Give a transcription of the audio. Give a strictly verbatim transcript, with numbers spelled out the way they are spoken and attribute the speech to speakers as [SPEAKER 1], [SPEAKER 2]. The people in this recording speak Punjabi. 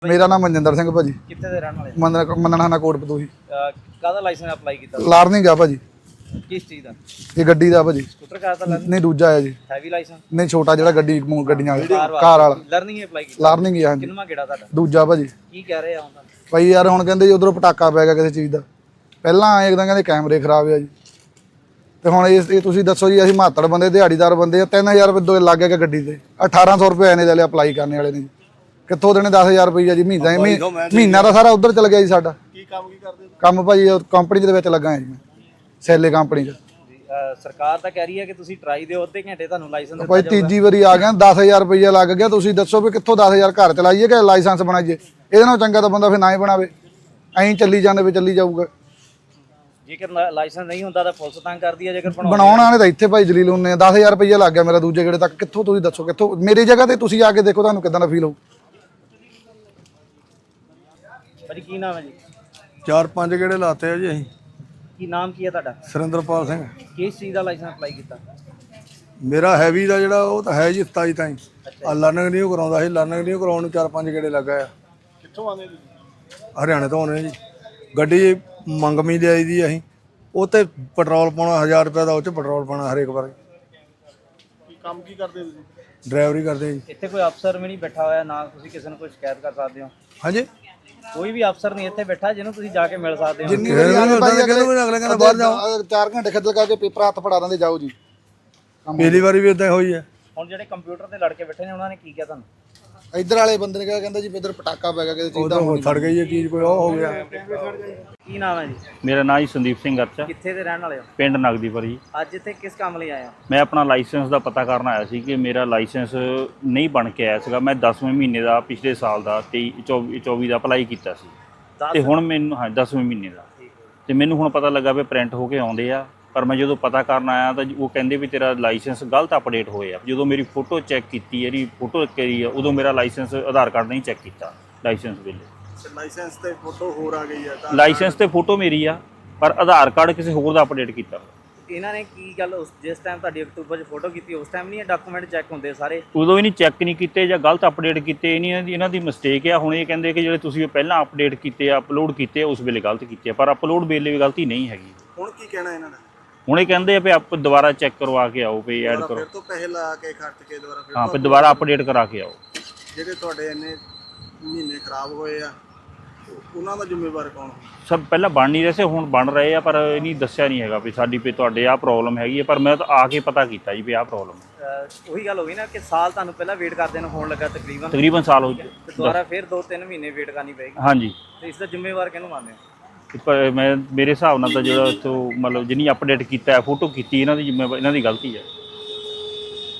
[SPEAKER 1] ਮੇਰਾ ਨਾਮ ਮਨਜਿੰਦਰ ਸਿੰਘ ਭਾਜੀ।
[SPEAKER 2] ਕਿੱਥੇ ਦੇ ਰਹਿਣ ਵਾਲੇ?
[SPEAKER 1] ਮੰਨਣਾ ਮੰਨਣਾ ਕੋਟ ਪਤੂਹੀ।
[SPEAKER 2] ਕਾਹਦਾ ਲਾਇਸੈਂਸ ਅਪਲਾਈ ਕੀਤਾ?
[SPEAKER 1] ਲਾਰਨਿੰਗ ਆ ਭਾਜੀ।
[SPEAKER 2] ਕਿਸ ਚੀਜ਼ ਦਾ?
[SPEAKER 1] ਇਹ ਗੱਡੀ ਦਾ ਭਾਜੀ।
[SPEAKER 2] ਸਕੂਟਰ ਕਾਰ ਦਾ ਲਰਨਿੰਗ?
[SPEAKER 1] ਨਹੀਂ ਦੂਜਾ ਹੈ ਜੀ।
[SPEAKER 2] Heavy licence?
[SPEAKER 1] ਨਹੀਂ ਛੋਟਾ ਜਿਹੜਾ ਗੱਡੀ ਗੱਡੀਆਂ ਵਾਲਾ ਕਾਰ ਵਾਲਾ
[SPEAKER 2] ਲਰਨਿੰਗ ਹੀ ਅਪਲਾਈ ਕੀਤਾ?
[SPEAKER 1] ਲਾਰਨਿੰਗ ਹੀ ਆ। ਹਾਂਜੀ
[SPEAKER 2] ਕਿੰਨਾ ਕਿਹੜਾ ਤੁਹਾਡਾ?
[SPEAKER 1] ਦੂਜਾ ਭਾਜੀ।
[SPEAKER 2] ਕੀ ਕਹਿ ਰਹੇ ਆ ਹੁਣ?
[SPEAKER 1] ਭਾਈ ਯਾਰ ਹੁਣ ਕਹਿੰਦੇ ਜੀ ਉਧਰੋਂ ਪਟਾਕਾ ਪੈ ਗਿਆ ਕਿਸੇ ਚੀਜ਼ ਦਾ। ਪਹਿਲਾਂ ਆਏ ਇੱਕਦਮ ਕਹਿੰਦੇ ਕੈਮਰੇ ਖਰਾਬ ਆ ਜੀ। ਤੇ ਹੁਣ ਇਹ ਤੁਸੀਂ ਦੱਸੋ ਜੀ, ਅਸੀਂ ਮਾਤੜ ਬੰਦੇ ਦਿਹਾੜੀਦਾਰ ਬੰਦੇ ਆ, ਤਿੰਨ ਹਜ਼ਾਰ ਰੁਪਏ ਦੋ ਲੱਗ ਗਿਆ ਗੱਡੀ ਤੇ। ਅਠਾਰਾਂ ਸੌ ਰੁਪਏ ਇਹਨੇ ਲੈ ਅਪਲਾਈ ਕਰਨੇ ਵਾਲੇ ਨੇ। ਕਿੱਥੋਂ ਦੇਣੇ ਦਸ ਹਜ਼ਾਰ ਰੁਪਈਆ ਜੀ ਮਹੀਨਾ? ਮਹੀਨਾ ਦਾ ਸਾਰਾ ਉਧਰ ਚਲ ਗਿਆ ਜੀ ਸਾਡਾ।
[SPEAKER 3] ਕੀ ਕੰਮ ਕੀ ਕਰਦੇ?
[SPEAKER 1] ਕੰਮ ਭਾਜੀ ਕੰਪਨੀ ਦੇ ਵਿੱਚ ਲੱਗਾ ਜੀ ਮੈਂ, ਸੈਲੇ ਕੰਪਨੀ 'ਚ।
[SPEAKER 2] ਸਰਕਾਰ ਤਾਂ ਕਹਿ ਰਹੀ ਹੈ ਕਿ ਤੁਸੀਂ ਟਰਾਈ ਦਿਓ, ਅੱਧੇ ਘੰਟੇ ਤੁਹਾਨੂੰ ਲਾਇਸੈਂਸ ਦਿੱਤਾ
[SPEAKER 1] ਭਾਈ ਤੀਜੀ ਵਾਰੀ ਆ ਗਿਆ, ਦਸ ਹਜ਼ਾਰ ਰੁਪਈਆ ਲੱਗ ਗਿਆ। ਤੁਸੀਂ ਦੱਸੋ ਵੀ ਕਿੱਥੋਂ ਦਸ ਹਜ਼ਾਰ ਘਰ ਚਲਾਈਏ ਕਿ ਲਾਇਸੈਂਸ ਬਣਾਈਏ? ਇਹਦੇ ਨਾਲੋਂ ਚੰਗਾ ਤਾਂ ਬੰਦਾ ਫਿਰ ਨਾ ਹੀ ਬਣਾਵੇ, ਐਂ ਚੱਲੀ ਜਾਂਦੇ ਵੀ ਚੱਲੀ ਜਾਊਗਾ।
[SPEAKER 2] ਜੇਕਰ ਲਾਇਸੈਂਸ ਨਹੀਂ ਹੁੰਦਾ ਤਾਂ ਪੁਲਿਸ ਤੰਗ ਕਰਦੀ ਹੈ। ਜੇਕਰ
[SPEAKER 1] ਬਣਾਉਣ ਵਾਲੇ ਤਾਂ ਇੱਥੇ ਭਾਈ ਜਲੀਲ ਹੁੰਦੇ ਆ। ਦਸ ਹਜ਼ਾਰ ਰੁਪਈਆ ਲੱਗ ਗਿਆ ਮੇਰਾ ਦੂਜੇ ਗੇੜੇ ਤੱਕ। ਕਿੱਥੋਂ ਤੁਸੀਂ ਦੱਸੋ ਕਿੱਥੋਂ? ਮੇਰੀ ਜਗ੍ਹਾ ਤੇ ਤੁਸੀਂ ਆ ਕੇ ਦੇਖੋ, ਤੁਹਾਨੂੰ ਕਿੱਦਾਂ ਦਾ ਫੀਲ ਹੋਊ।
[SPEAKER 2] ਭਾਜੀ ਕੀ ਨਾਮ ਹੈ ਜੀ?
[SPEAKER 3] ਚਾਰ ਪੰਜ ਗੇੜੇ ਲਾਤੇ ਆ ਜੀ ਅਸੀਂ।
[SPEAKER 2] ਕੀ ਨਾਮ ਕੀ ਹੈ ਤੁਹਾਡਾ?
[SPEAKER 3] ਸੁਰਿੰਦਰਪਾਲ ਸਿੰਘ।
[SPEAKER 2] ਕਿਸ ਚੀਜ਼ ਦਾ ਲਾਇਸੈਂਸ ਅਪਲਾਈ ਕੀਤਾ?
[SPEAKER 3] ਮੇਰਾ ਹੈਵੀ ਦਾ ਜਿਹੜਾ ਉਹ ਤਾਂ ਹੈ ਜੀ ਸਤਾਈ ਤਾਈਂ। ਆ ਲਰਨਿੰਗ ਨਹੀਂ ਉਹ ਕਰਾਉਂਦਾ ਸੀ। ਲਰਨਿੰਗ ਨਹੀਂ ਕਰਾਉਣ ਨੂੰ ਚਾਰ ਪੰਜ ਗੇੜੇ ਲੱਗਾ ਆ। ਕਿੱਥੋਂ ਆਉਂਦੇ ਜੀ? ਹਰਿਆਣੇ ਤੋਂ ਆਉਂਦੇ ਜੀ। ਗੱਡੀ ਮੰਗਮੀ ਲਿਆਈ ਦੀ ਅਸੀਂ, ਉਹ ਤੇ ਪੈਟਰੋਲ ਪਾਉਣਾ ਹਜ਼ਾਰ ਰੁਪਏ ਦਾ, ਉਹ 'ਚ ਪੈਟਰੋਲ ਪਾਉਣਾ ਹਰੇਕ ਵਾਰ। ਕੀ ਕੰਮ ਕੀ ਕਰਦੇ ਤੁਸੀਂ? ਡਰਾਈਵਰੀ ਕਰਦੇ ਜੀ।
[SPEAKER 2] ਇੱਥੇ ਕੋਈ ਅਫਸਰ ਵੀ ਨਹੀਂ ਬੈਠਾ ਹੋਇਆ ਨਾ ਤੁਸੀਂ ਕਿਸੇ ਨੂੰ ਕੋਈ ਸ਼ਿਕਾਇਤ ਕਰ ਸਕਦੇ ਹੋ?
[SPEAKER 3] ਹਾਂਜੀ,
[SPEAKER 2] ਕੋਈ ਵੀ ਅਫਸਰ ਨਹੀਂ ਇੱਥੇ ਬੈਠਾ ਜਿਹਨੂੰ ਤੁਸੀਂ ਜਾ ਕੇ ਮਿਲ ਸਕਦੇ ਹੋ?
[SPEAKER 1] ਜਿੰਨੀ ਵਾਰੀ ਆਏ ਭਾਈ ਅਗਲੇ ਕਹਿੰਦਾ ਬਾਹਰ ਜਾਓ, ਚਾਰ ਘੰਟੇ ਖੱਜਲ ਕਰਕੇ ਪੇਪਰ ਹੱਥ ਫੜਾ ਦਿੰਦੇ, ਜਾਓ ਜੀ।
[SPEAKER 3] ਪਹਿਲੀ ਵਾਰੀ ਵੀ ਇਦਾਂ ਹੋਈ ਹੈ।
[SPEAKER 2] ਹੁਣ ਜਿਹੜੇ ਕੰਪਿਊਟਰ ਤੇ ਲੜਕੇ ਬੈਠੇ ਨੇ ਉਹਨਾਂ ਨੇ ਕੀ ਕਿਹਾ ਤੁਹਾਨੂੰ?
[SPEAKER 1] ਇੱਧਰ ਵਾਲੇ ਬੰਦੇ ਨੇ ਕਿਹਾ, ਕਹਿੰਦਾ ਜੀ ਇੱਧਰ ਪਟਾਕਾ ਪੈ ਗਿਆ ਕਿਸੇ ਚੀਜ਼ ਦਾ।
[SPEAKER 3] ਸੜ ਗਈ ਇਹ ਚੀਜ਼, ਕੋਈ ਉਹ ਹੋ ਗਿਆ।
[SPEAKER 2] ਕੀ ਨਾਮ ਹੈ ਜੀ?
[SPEAKER 4] ਮੇਰਾ ਨਾਮ ਜੀ ਸੰਦੀਪ ਸਿੰਘ ਅਰਚਾ,
[SPEAKER 2] ਕਿੱਥੇ ਦੇ ਰਹਿਣ ਵਾਲੇ ਹੋ?
[SPEAKER 4] ਪਿੰਡ ਨਗਦੀਪੁਰ ਜੀ।
[SPEAKER 2] ਅੱਜ ਇੱਥੇ ਕਿਸ ਕੰਮ ਲਈ ਆਏ ਹੋ?
[SPEAKER 4] ਮੈਂ ਆਪਣਾ ਲਾਇਸੈਂਸ ਦਾ ਪਤਾ ਕਰਨ ਆਇਆ ਸੀ ਕਿ ਮੇਰਾ ਲਾਇਸੈਂਸ ਨਹੀਂ ਬਣ ਕੇ ਆਇਆ ਸੀਗਾ। ਮੈਂ ਦਸਵੇਂ ਮਹੀਨੇ ਦਾ ਪਿਛਲੇ ਸਾਲ ਦਾ ਤੇਈ ਚੌਵੀ ਚੌਵੀ ਦਾ ਅਪਲਾਈ ਕੀਤਾ ਸੀ ਤੇ ਹੁਣ ਮੈਨੂੰ ਹਾਂ ਦਸਵੇਂ ਮਹੀਨੇ ਦਾ ਤੇ ਮੈਨੂੰ ਹੁਣ ਪਤਾ ਲੱਗਾ ਵੀ ਪ੍ਰਿੰਟ ਹੋ ਕੇ ਆਉਂਦੇ ਆ। ਪਰ ਮੈਂ ਜਦੋਂ ਪਤਾ ਕਰਨ ਆਇਆ ਤਾਂ ਉਹ ਕਹਿੰਦੇ ਵੀ ਤੇਰਾ ਲਾਇਸੈਂਸ ਗਲਤ ਅਪਡੇਟ ਹੋਏ ਆ। ਜਦੋਂ ਮੇਰੀ ਫੋਟੋ ਚੈੱਕ ਕੀਤੀ, ਇਹਦੀ ਫੋਟੋ ਕਰੀ ਆ, ਉਦੋਂ ਮੇਰਾ ਲਾਇਸੈਂਸ ਆਧਾਰ ਕਾਰਡ ਨਹੀਂ ਚੈੱਕ ਕੀਤਾ ਲਾਇਸੈਂਸ ਵੇਲੇ।
[SPEAKER 3] ਲਾਇਸੈਂਸ ਤੇ ਫੋਟੋ ਹੋਰ ਆ ਗਈ ਹੈ।
[SPEAKER 4] ਲਾਇਸੈਂਸ ਤੇ ਫੋਟੋ ਮੇਰੀ ਆ, ਪਰ ਆਧਾਰ ਕਾਰਡ ਕਿਸੇ ਹੋਰ ਦਾ ਅਪਡੇਟ ਕੀਤਾ।
[SPEAKER 2] ਇਹਨਾਂ ਨੇ ਕੀ ਗੱਲ, ਉਸ ਜਿਸ ਟਾਈਮ ਤੁਹਾਡੀ ਅਕਤੂਬਰ 'ਚ ਫੋਟੋ ਕੀਤੀ ਉਸ ਟਾਈਮ ਨਹੀਂ ਡਾਕੂਮੈਂਟ ਚੈੱਕ ਹੁੰਦੇ ਸਾਰੇ?
[SPEAKER 4] ਉਦੋਂ ਵੀ ਨਹੀਂ ਚੈੱਕ ਨਹੀਂ ਕੀਤੇ ਜਾਂ ਗਲਤ ਅਪਡੇਟ ਕੀਤੇ। ਇਹਨਾਂ ਦੀ ਇਹਨਾਂ ਦੀ ਮਿਸਟੇਕ ਆ। ਹੁਣ ਇਹ ਕਹਿੰਦੇ ਕਿ ਜਿਹੜੇ ਤੁਸੀਂ ਪਹਿਲਾਂ ਅਪਡੇਟ ਕੀਤੇ ਆ, ਅਪਲੋਡ ਕੀਤੇ, ਉਸ ਵੇਲੇ ਗਲਤ ਕੀਤੇ ਆ, ਪਰ ਅਪਲੋਡ ਵੇਲੇ ਵੀ ਗਲਤੀ ਨਹੀਂ ਹੈਗੀ।
[SPEAKER 3] ਹੁਣ ਕੀ ਕਹਿਣਾ ਇਹਨਾਂ ਦਾ?
[SPEAKER 4] ਹੁਣ ਇਹ ਕਹਿੰਦੇ ਆ ਵੀ ਆਪ ਦੁਬਾਰਾ ਚੈੱਕ ਕਰਵਾ ਕੇ ਆਓ, ਵੀ ਐਡ ਕਰੋ।
[SPEAKER 3] ਫਿਰ ਤੋਂ ਪੈਸੇ ਲਾ ਕੇ ਖਰਚ ਕੇ ਦੁਬਾਰਾ ਫਿਰ
[SPEAKER 4] ਹਾਂ, ਫਿਰ ਦੁਬਾਰਾ ਅਪਡੇਟ ਕਰਾ ਕੇ ਆਓ।
[SPEAKER 3] ਜਿਹੜੇ ਤੁਹਾਡੇ ਇੰਨੇ ਮਹੀਨੇ ਖਰਾਬ ਹੋਏ ਆ, ਉਹਨਾਂ ਦਾ ਜ਼ਿੰਮੇਵਾਰ ਕੌਣ?
[SPEAKER 4] ਸਭ ਪਹਿਲਾਂ ਬਣ ਨਹੀਂ ਰਹੇ ਸੀ, ਹੁਣ ਬਣ ਰਹੇ ਆ, ਪਰ ਇਹ ਨਹੀਂ ਦੱਸਿਆ ਨਹੀਂ ਹੈਗਾ ਵੀ ਸਾਡੀ ਵੀ ਤੁਹਾਡੇ ਆਹ ਪ੍ਰੋਬਲਮ ਹੈਗੀ ਹੈ। ਪਰ ਮੈਂ ਤਾਂ ਆ ਕੇ ਪਤਾ ਕੀਤਾ ਜੀ ਵੀ ਆਹ ਪ੍ਰੋਬਲਮ ਹੈ।
[SPEAKER 2] ਉਹੀ ਗੱਲ ਹੋ ਗਈ ਨਾ ਕਿ ਸਾਲ ਤੁਹਾਨੂੰ ਪਹਿਲਾਂ ਵੇਟ ਕਰਦੇ ਨੂੰ ਹੋਣ ਲੱਗਾ ਤਕਰੀਬਨ
[SPEAKER 4] ਤਕਰੀਬਨ ਸਾਲ ਹੋ
[SPEAKER 2] ਤੇ ਦੁਬਾਰਾ ਫਿਰ ਦੋ ਤਿੰਨ ਮਹੀਨੇ ਵੇਟ ਕਰਨੀ ਪਏਗੀ।
[SPEAKER 4] ਹਾਂਜੀ,
[SPEAKER 2] ਤੇ ਇਸ ਦਾ ਜ਼ਿੰਮੇਵਾਰ ਕਿਹਨੂੰ ਮੰਨਦੇ ਹੋ?
[SPEAKER 4] ਪਰ ਮੈਂ ਮੇਰੇ ਹਿਸਾਬ ਨਾਲ ਤਾਂ ਜਿਹੜਾ ਇੱਥੋਂ ਮਤਲਬ ਜਿੰਨੀ ਅਪਡੇਟ ਕੀਤਾ, ਫੋਟੋ ਕੀਤੀ, ਇਹਨਾਂ ਦੀ ਜ਼ਿੰਮੇਵਾਰੀ ਇਹਨਾਂ ਦੀ ਗਲਤੀ ਹੈ।